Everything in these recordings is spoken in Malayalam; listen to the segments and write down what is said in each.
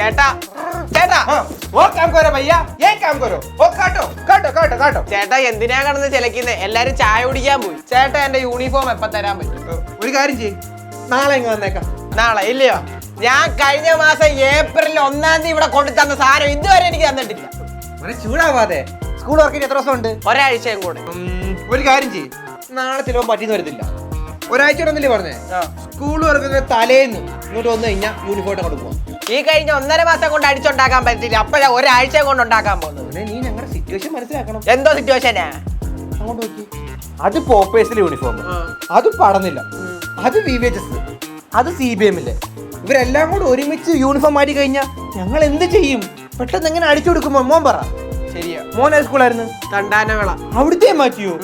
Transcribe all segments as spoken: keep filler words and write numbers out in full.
ചേട്ടാ ചേട്ടാ वो काम करो भैया ये काम करो वो काटो काटो काटो काटो ചേട്ടാ എന്തിനാ കിടന്ന് ചിലക്കുന്നേ എല്ലാരും ചായ കുടിക്കാൻ പോയി ചേട്ടാ എന്റെ യൂണിഫോം എപ്പ തരാൻ പറ്റും ഒരു കാര്യം ചെയ്യ് നാളെ ഇങ്ങ് വന്നേക്കാം നാളെ ഇല്ലയോ ഞാൻ കഴിഞ്ഞ മാസം ഏപ്രിൽ ഒന്നാം തീയതി ഇവിടെ കൊണ്ടു തന്ന സാധനം ഇതുവരെ എനിക്ക് തന്നിട്ടില്ല മോനെ ചൂടാവാതെ സ്കൂൾ വർക്കിന് എത്ര ദിവസം ഉണ്ട് ഒരാഴ്ചയും കൂടെ ഒരു കാര്യം ചെയ്യ് നാളെ ചിലപ്പോൾ പറ്റിയെന്ന് വരത്തില്ല ഒരാഴ്ച ഉണ്ടെന്നല്ലേ പറഞ്ഞേ സ്കൂൾ വർക്കിന് തലേന്ന് ഇങ്ങോട്ട് വന്നു കഴിഞ്ഞാൽ യൂണിഫോം അങ്ങോട്ട് പോവാം ഈ കഴിഞ്ഞ ഒന്നര മാസം കൊണ്ട് അടിച്ചുണ്ടാക്കാൻ പറ്റില്ല അപ്പോഴാ ഒരാഴ്ച കൊണ്ട് ഉണ്ടാക്കാൻ പോകുന്നത് നീ ഞങ്ങളുടെ സിറ്റുവേഷൻ മനസ്സിലാക്കണം എന്തോ സിറ്റുവേഷനാ അങ്ങോട്ട് നോക്കി അത് പോപ്പേഴ്സിലെ യൂണിഫോം അത് പടന്നില്ല അത് വി വി എച്ച് എസ് അത് സി ബി എമ്മില്ലേ ഇവരെല്ലാം കൂടെ ഒരുമിച്ച് യൂണിഫോം മാറ്റി കഴിഞ്ഞാൽ ഞങ്ങൾ എന്ത് ചെയ്യും പെട്ടെന്ന് എങ്ങനെ അടിച്ചു കൊടുക്കുമ്പോ മോൻ പറ ശരിയാ മോൻ ഏത് സ്കൂളായിരുന്നു തണ്ടാനവിള അവിടുത്തെ മാറ്റിയോ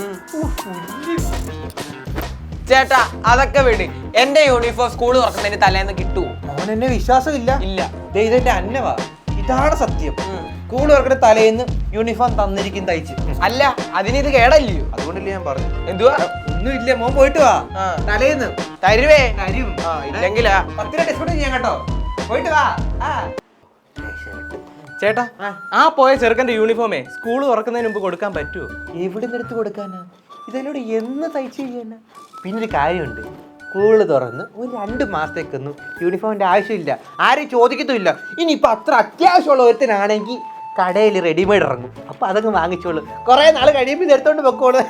ചേട്ടാ അതൊക്കെ വിട് എന്റെ യൂണിഫോം സ്കൂൾ തുറക്കുന്നതിന് തലേന്ന് കിട്ടുമോ മോൻ എന്നെ വിശ്വാസമില്ല ഇല്ല ഇതെന്റെ അന്നവാ ഇതാണ് സത്യം സ്കൂൾ വർക്കിന് തലേന്ന് യൂണിഫോം തന്നിരിക്കും തയ്ച്ച് അല്ല അതിനിത് കേടല്ലയോ അതുകൊണ്ടല്ലേ ഞാൻ പറഞ്ഞു എന്തുവാ ഒന്നും ഇല്ല മോൻ പോയിട്ട് വാ തലേന്ന് തരുവേ തരും ഇല്ലെങ്കിലാ പത്ത് രൂപ ഡിസ്കൗണ്ട് ചെയ്യാൻ കേട്ടോ പോയിട്ട് വാ ചേട്ടാ ആ പോയ ചെറുക്കന്റെ യൂണിഫോമേ സ്കൂൾ തുറക്കുന്നതിന് മുമ്പ് കൊടുക്കാൻ പറ്റുമോ? എവിടെ നിന്ന് എടുത്ത് കൊടുക്കാനാ ഇതിലൂടെ എന്ന് തയ്ച്ചു ചെയ്യാനാ പിന്നെ ഒരു കാര്യമുണ്ട് സ്കൂള് തുറന്ന് ഒരു രണ്ട് മാസത്തേക്കൊന്നും യൂണിഫോമിന്റെ ആവശ്യമില്ല ആരും ചോദിക്കത്തുമില്ല ഇനിയിപ്പോൾ അത്ര അത്യാവശ്യമുള്ള ഒരുത്തനാണെങ്കിൽ കടയിൽ റെഡിമെയ്ഡ് ഇറങ്ങും അപ്പൊ അതൊക്കെ വാങ്ങിച്ചോളൂ കുറെ നാൾ കഴിയുമ്പോൾ ഇത് എടുത്തോണ്ട് പൊക്കോളൂ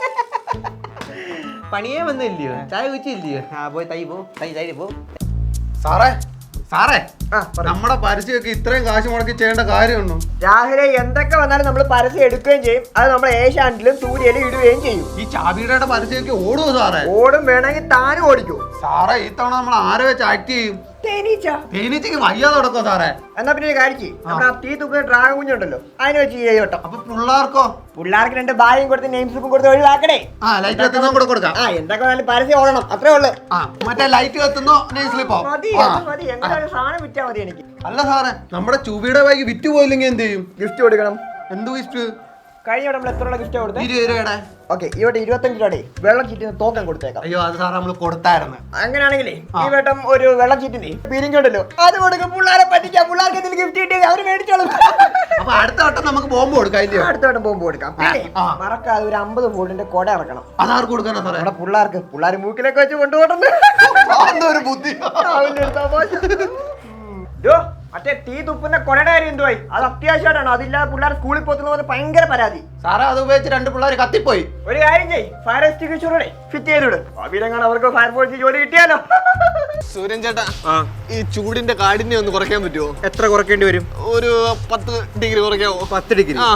പണിയേ വന്നില്ലയോ ചായ കുച്ചില്ലയോ ആ പോയി തൈ പോ തൈ തൈ പോ സാറേ സാറേ നമ്മുടെ പരസ്യമൊക്കെ ഇത്രയും കാശ് മുടക്കി ചെയ്യേണ്ട കാര്യമുണ്ടോ? രാവിലെ എന്തൊക്കെ വന്നാലും നമ്മൾ പരസ്യം എടുക്കുകയും ചെയ്യും അത് നമ്മൾ ഏഷ്യാനെറ്റിലും സൂര്യയിലും ഇടുകയും ചെയ്യും. ഈ ചാബിയുടെ പരസ്യമൊക്കെ ഓടുമോ സാറേ? ഓടും വേണമെങ്കിൽ താനും ഓടിക്കൂ സാറേ ഈ തവണ നമ്മൾ ആരെ വെച്ച് ആക്ട് ചെയ്യും? തേനീച്ച തേനീച്ചക്ക് വയ്യാതെ നടക്കോ സാറേ? എന്നാ പിന്നെ ഒരു കാര്യം ചെയ്യും നമ്മുടെ ആ തീ തുപ്പുന്ന ഡ്രാഗൺ കുഞ്ഞുണ്ടല്ലോ അതിനെ വെച്ച് ചെയ്യോട്ടോ. അപ്പൊ പിള്ളേർക്കോ? പിള്ളേർക്ക് രണ്ട് ബായും കൊടുത്ത് നെയിം സ്ലിപ്പും കൊടുത്ത് ഒഴിവാക്കണേ. ആ ലൈറ്റ് കത്തുന്നോ കൂടെ കൊടുക്കാം. ആ എന്തൊക്കെ വന്നാലും പരസ്യം ഓടണം അത്രേ ഉള്ളു. ആ മറ്റേ ലൈറ്റ് കത്തുന്നോ നെയിം സ്ലിപ്പോ? മതി അത് മതി എങ്ങനെയാലും സാധനം വിറ്റാ മതി എനിക്ക്. അല്ല സാറേ നമ്മുടെ ചൂബിയുടെ ബാഗ് വിറ്റ് പോയില്ലെങ്കിൽ എന്ത് ചെയ്യും? ഗിഫ്റ്റ് കൊടുക്കണം. എന്ത് ഗിഫ്റ്റ്? കഴിഞ്ഞ നമ്മൾ എത്ര രൂപ ഗിഫ്റ്റ് കൊടുത്തത്? ഇരുപത് രൂപയുടെ. ഓക്കെ ഇവിടെ ഇരുപത്തഞ്ച് രൂപയുടെ വെള്ളം ചീറ്റിന് തോക്കം കൊടുത്തേക്കാം. അയ്യോ അത് സാറേ നമ്മൾ കൊടുത്തായിരുന്നു. അങ്ങനെയാണെങ്കിലേ ഈ വട്ടം ഒരു വെള്ളം ചീറ്റിന് പിരിഞ്ഞുണ്ടല്ലോ അത് കൊടുക്കും പിള്ളേരെ പറ്റിക്കാം. പിള്ളേർക്ക് എന്തെങ്കിലും ഗിഫ്റ്റ് കിട്ടിയത് അവര് മേടിച്ചോളും. അപ്പൊ അടുത്ത വട്ടം നമുക്ക് ബോംബ് കൊടുക്കാം ഇല്ലയോ? അടുത്ത വട്ടം ബോംബ് കൊടുക്കാം. പിന്നെ മറക്കാതെ ഒരു അമ്പത് വോൾട്ടിന്റെ കൊട ഇറക്കണം. അതാർക്ക് കൊടുക്കാനാ സാറേ? നമ്മുടെ പിള്ളേർക്ക് പിള്ളേർ മൂക്കിലൊക്കെ വെച്ച് കൊണ്ടുപോകണം. ഒരു ബുദ്ധി. മറ്റേ തീ തുപ്പുന്ന കൊടയുടെ കാര്യം എന്തുവായി? അത് അത്യാവശ്യമായിട്ടാണ്. അതില്ലാതെ പിള്ളേർ സ്കൂളിൽ പോകുന്ന ഭയങ്കര പരാതി. സാറേ അത് ഉപയോഗിച്ച് രണ്ട് പിള്ളേർ കത്തിപ്പോയി. ഒരു കാര്യം ചെയ്യ് ഫയർ എക്സ്റ്റിങ്ക്വിഷറോടെ ഫിറ്റ് ചെയ്തിട്. അവിടെങ്ങാണ് അവർക്ക് ഫയർഫോഴ്സിൽ ജോലി കിട്ടിയാലോ. സൂര്യൻ ചേട്ടാ ഈ ചൂടിന്റെ കാഠിന്യം ഒന്ന് കുറയ്ക്കാൻ പറ്റുമോ? എത്ര കുറയ്ക്കേണ്ടി വരും? ഒരു പത്ത് ഡിഗ്രി കുറയ്ക്കാവോ? പത്ത് ഡിഗ്രി ആ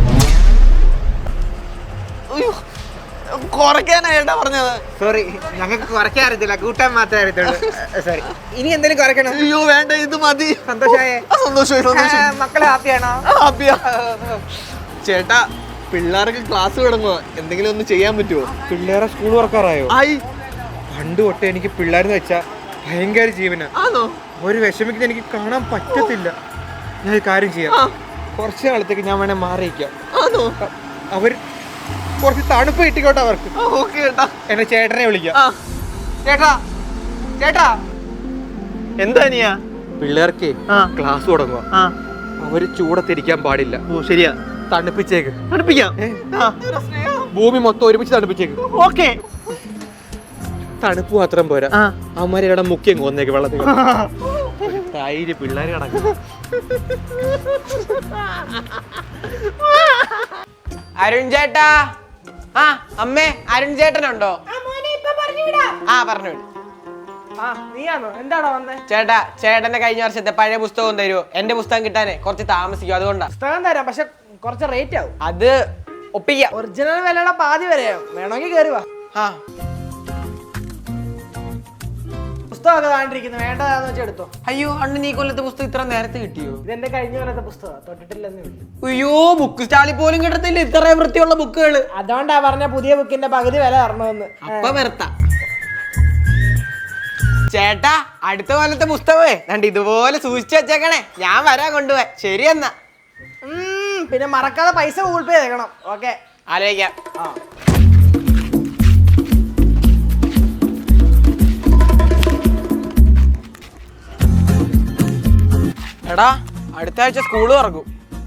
കുറയ്ക്കാനായിട്ടാ പറഞ്ഞത്. സോറി ഞങ്ങൾക്ക് കുറയ്ക്കാൻ അറിയത്തില്ല കൂട്ടാൻ മാത്രമേ അറിയത്തുള്ളൂ. സോറി ഇനി എന്തെങ്കിലും കുറയ്ക്കണം? അയ്യോ വേണ്ട ഇത് മതി. സന്തോഷമായേ? സന്തോഷമായി സന്തോഷം. മക്കളെ ഹാപ്പിയാണോ? ഹാപ്പിയാ. ചേട്ടാ പിള്ളേർക്ക് ക്ലാസ് തുടങ്ങുക എന്തെങ്കിലും ഒന്ന് ചെയ്യാൻ പറ്റുമോ? പിള്ളേരെ സ്കൂൾ വർക്കാറായോ? ആയി. പണ്ട് തൊട്ടേ എനിക്ക് പിള്ളേരെന്ന് വെച്ചാൽ ഭയങ്കര ജീവനാ. ആണോ? ഒരു വിഷമിക്കുന്ന എനിക്ക് കാണാൻ പറ്റത്തില്ല. ഞാൻ ഒരു കാര്യം ചെയ്യാം, കുറച്ച് നാളത്തേക്ക് ഞാൻ വേണേ മാറിയിക്കാം. ആണോ? അവർ കുറച്ച് തണുപ്പ് കിട്ടിക്കോട്ടെ അവർക്ക്. ഓക്കെ ചേട്ടാ. എന്നെ ചേട്ടനെ വിളിക്കാം. ചേട്ടാ ചേട്ടാ എന്താ നീയാ? പിള്ളേർക്ക് ക്ലാസ് തുടങ്ങുക. അവര് ചൂടത്തിരിക്കാൻ പാടില്ല. ഓ ശരിയാ. തണുപ്പിച്ചേക്ക്. പഠിപ്പിക്കാം. ഭൂമി മൊത്തം ഒരുമിച്ച് തണുപ്പിച്ചേക്ക്. ഓക്കെ. തണുപ്പ് മാത്രം പോരാ, അവന്മാരെ ഇവിടെ മുക്കിയും കൊന്നേക്ക് വെള്ളത്തിൽ. തൈര് പിള്ളേര് കിടക്കും. അരുൺ ചേട്ടാ. ആ അമ്മേ അരുൺ ചേട്ടനുണ്ടോ? ആ പറഞ്ഞു വിട്. എന്താണോ വന്നേ? ചേട്ടാ ചേട്ടന്റെ കഴിഞ്ഞ വർഷത്തെ പഴയ പുസ്തകം തരുമോ? എന്റെ പുസ്തകം കിട്ടാനേ കുറച്ച് താമസിക്കും, അതുകൊണ്ടാ. പുസ്തകം തരാം പക്ഷെ കുറച്ച് റേറ്റ് ആവും. അത് ഒപ്പിക്കാം. ഒറിജിനൽ വിലയുടെ പാതി വരെയാവും. വേണമെങ്കിൽ കയറി വാ. ആ പുസ്തകമൊക്കെ താണ്ടിരിക്കുന്നു വേണ്ടതാന്ന് വെച്ചാൽ എടുത്തോ. അയ്യോ അണ്ണൻ ഈ കൊല്ലത്തെ പുസ്തകം ഇത്ര നേരത്തെ കിട്ടിയോ? ഇതെന്റെ കഴിഞ്ഞ കൊല്ലത്തെ പുസ്തകം തൊട്ടിട്ടില്ലെന്ന് ഉള്ളൂ. അയ്യോ ബുക്ക് സ്റ്റാളിൽ പോലും കിട്ടത്തില്ല ഇത്രയും വൃത്തിയുള്ള ബുക്കുകള്. അതുകൊണ്ടാ പറഞ്ഞ പുതിയ ബുക്കിന്റെ പകുതി വില തരണമെന്ന്. അപ്പൊ വെറുത്ത ചേട്ടാ അടുത്ത കൊല്ലത്തെ പുസ്തകമേ കണ്ട് ഇതുപോലെ സൂക്ഷിച്ചു വെച്ചേക്കണേ. ഞാൻ വരാൻ കൊണ്ടുപോയി. ശരി എന്നാ. പിന്നെ മറക്കാതെ പൈസ ഗൂഗിൾ പേ ചെയ്യണം. ഓക്കെ ആലോചിക്കാം. എടാ അടുത്ത ആഴ്ച സ്കൂള് തുറക്കും.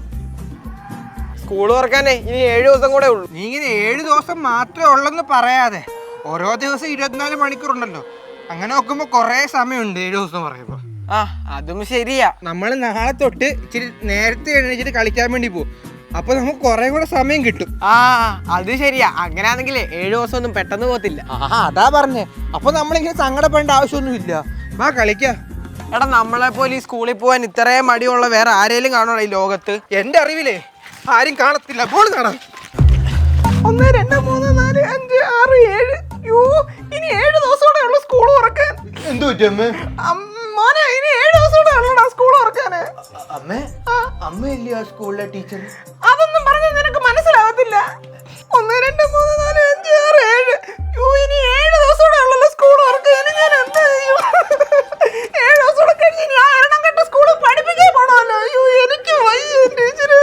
സ്കൂള് തുറക്കാനേ ഇനി ഏഴു ദിവസം കൂടെ ഉള്ളൂ. നീ ഇങ്ങനെ ഏഴ് ദിവസം മാത്രമേ ഉള്ളെന്ന് പറയാതെ ഓരോ ദിവസം ഇരുപത്തിനാല് മണിക്കൂറുണ്ടല്ലോ. അങ്ങനെ നോക്കുമ്പോ കൊറേ സമയമുണ്ട് ഏഴു ദിവസം പറയുമ്പോ. ആ അതും ശരിയാ. നമ്മൾ നാളെ തൊട്ട് ഇച്ചിരി നേരത്തെ എഴുന്നേച്ചിട്ട് കളിക്കാൻ വേണ്ടി പോകും. അപ്പൊ നമുക്ക് കുറെ കൂടെ സമയം കിട്ടും. ആ അത് ശരിയാ. അങ്ങനെയാണെങ്കിലേ ഏഴു ദിവസം ഒന്നും പെട്ടെന്ന് പോകത്തില്ല. ആ അതാ പറഞ്ഞേ. അപ്പൊ നമ്മളിങ്ങനെ സങ്കടപ്പെടേണ്ട ആവശ്യമൊന്നും ഇല്ല. വാ കളിക്കാം. എടാ നമ്മളെ പോലെ ഈ സ്കൂളിൽ പോകാൻ ഇത്രയും മടിയുള്ള വേറെ ആരെങ്കിലും കാണണോ ഈ ലോകത്ത്? എന്റെ അറിവിലേ ആരും കാണത്തില്ല. ബോൾ കാണാം. ഒന്ന് രണ്ട് മൂന്ന് നാല് അഞ്ച് ആറ് ഏഴ്. യോ ഇനി ഏഴ് ദിവസമൂടെ ഉള്ളു സ്കൂൾ തുറക്കാൻ. എന്തു പറ്റമ്മേ? മോനെ ഇനി ഏഴ് ദിവസമൂടെ ഉള്ളൂടാ സ്കൂൾ തുറക്കാന്. അമ്മേ അമ്മയല്ലേ ആ സ്കൂളിലെ ടീച്ചർ? അതൊന്നും പറഞ്ഞാൽ നിനക്ക് മനസ്സിലാവത്തില്ല. ഒന്ന് രണ്ട് മൂന്ന് നാല് അഞ്ച് ആറ് ഏഴ്. യോ ഇനി ഏഴ് ദിവസമൂടെ ഉള്ളല്ലോ സ്കൂൾ തുറക്കാൻ. ഞാൻ എന്താ ചെയ്യും? ഏഴ് ദിവസം കഴിഞ്ഞ് ഞാൻ എണ്ണം കെട്ട സ്കൂളിൽ പഠിപ്പിക്കാൻ പോണല്ലോ. അയ്യോ എനിക്ക് വയ്യ ടീച്ചർ.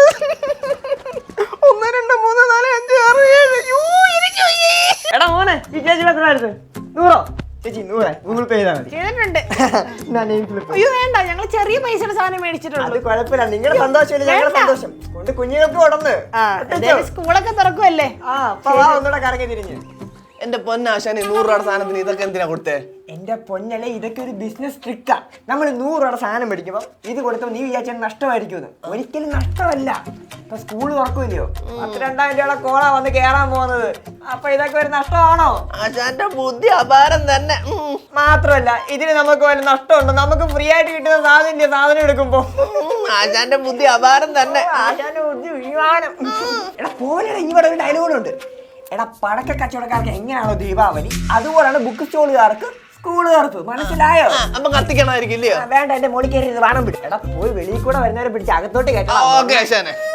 ഒന്ന് രണ്ട് മൂന്ന് നാല് അഞ്ച് ആറ് ഏഴ്. യോ എനിക്ക് വയ്യേ. എടാ മോനെ ഈ ചേച്ചി എത്രയായിരുന്നു? നൂറോ? ചേച്ചി നൂറ് ഗൂഗിൾ പേ ചെയ്താൽ മതി. ചെയ്തിട്ടുണ്ട്. ഞാൻ അയ്യോ വേണ്ട, ഞങ്ങൾ ചെറിയ പൈസയുടെ സാധനം മേടിച്ചിട്ടുള്ളൂ. അത് കുഴപ്പമില്ല. നിങ്ങളുടെ സന്തോഷമില്ല ഞങ്ങളുടെ സന്തോഷം കൊണ്ട് കുഞ്ഞുങ്ങൾക്ക് ഉടന്ന് സ്കൂളൊക്കെ തുറക്കുമല്ലേ? ആ അപ്പൊ വാ ഒന്നുകൂടെ കറങ്ങി തിരിഞ്ഞ്. എന്റെ പൊന്നാശാനെ നൂറ് രൂപയുടെ സാധനത്തിന് ഇതൊക്കെ എന്തിനാ കൊടുത്തേ? എന്റെ പൊന്നലെ ഇതൊക്കെ ഒരു ബിസിനസ് ട്രിക്കാ. നമ്മൾ നൂറ് രൂപയുടെ സാധനം മേടിക്കുമ്പോൾ ഇത് കൊടുത്തപ്പോൾ നീ വിചാരിച്ചാൽ നഷ്ടമായിരിക്കും. ഒരിക്കലും നഷ്ടമല്ല. ഇപ്പൊ സ്കൂൾ തുറക്കൂല്ലയോ, പത്ത് രണ്ടായിരം രൂപയുടെ കോള വന്ന് കേറാൻ പോകുന്നത്. അപ്പൊ ഇതൊക്കെ ഒരു നഷ്ടമാണോ? ആശാന്റെ ബുദ്ധി അപാരം തന്നെ. ഉം. മാത്രമല്ല ഇതിന് നമുക്ക് വല്ല നഷ്ടമുണ്ടോ? നമുക്ക് ഫ്രീ ആയിട്ട് കിട്ടുന്ന സാധനം ഇല്ലേ സാധനം എടുക്കുമ്പോ? ഉം, ആശാന്റെ ബുദ്ധി അപാരം തന്നെ. ആശാന്റെ ബുദ്ധി വിമാനം. എടാ പോലെ ഇവിടെ ഒരു ഡയലോഗുണ്ട്. എടാ പടക്ക കച്ചവടക്കാർക്ക് എങ്ങനെയാണോ ദീപാവലി, അതുപോലെയാണ് ബുക്ക് സ്റ്റോളുകാർക്ക് സ്കൂളുകാർക്ക്. മനസ്സിലായോ? ആ, അപ്പൊ കത്തിക്കണമായിരിക്കും ഇല്ലയോ? വേണ്ട എന്റെ മോളിൽ കയറി വാണം പിടി. എടാ പോയി വെളിയിൽ കൂടെ വരുന്നവരെ പിടിച്ച് അകത്തോട്ട് കയറ്റണം. ഓക്കെ ആശാനെ.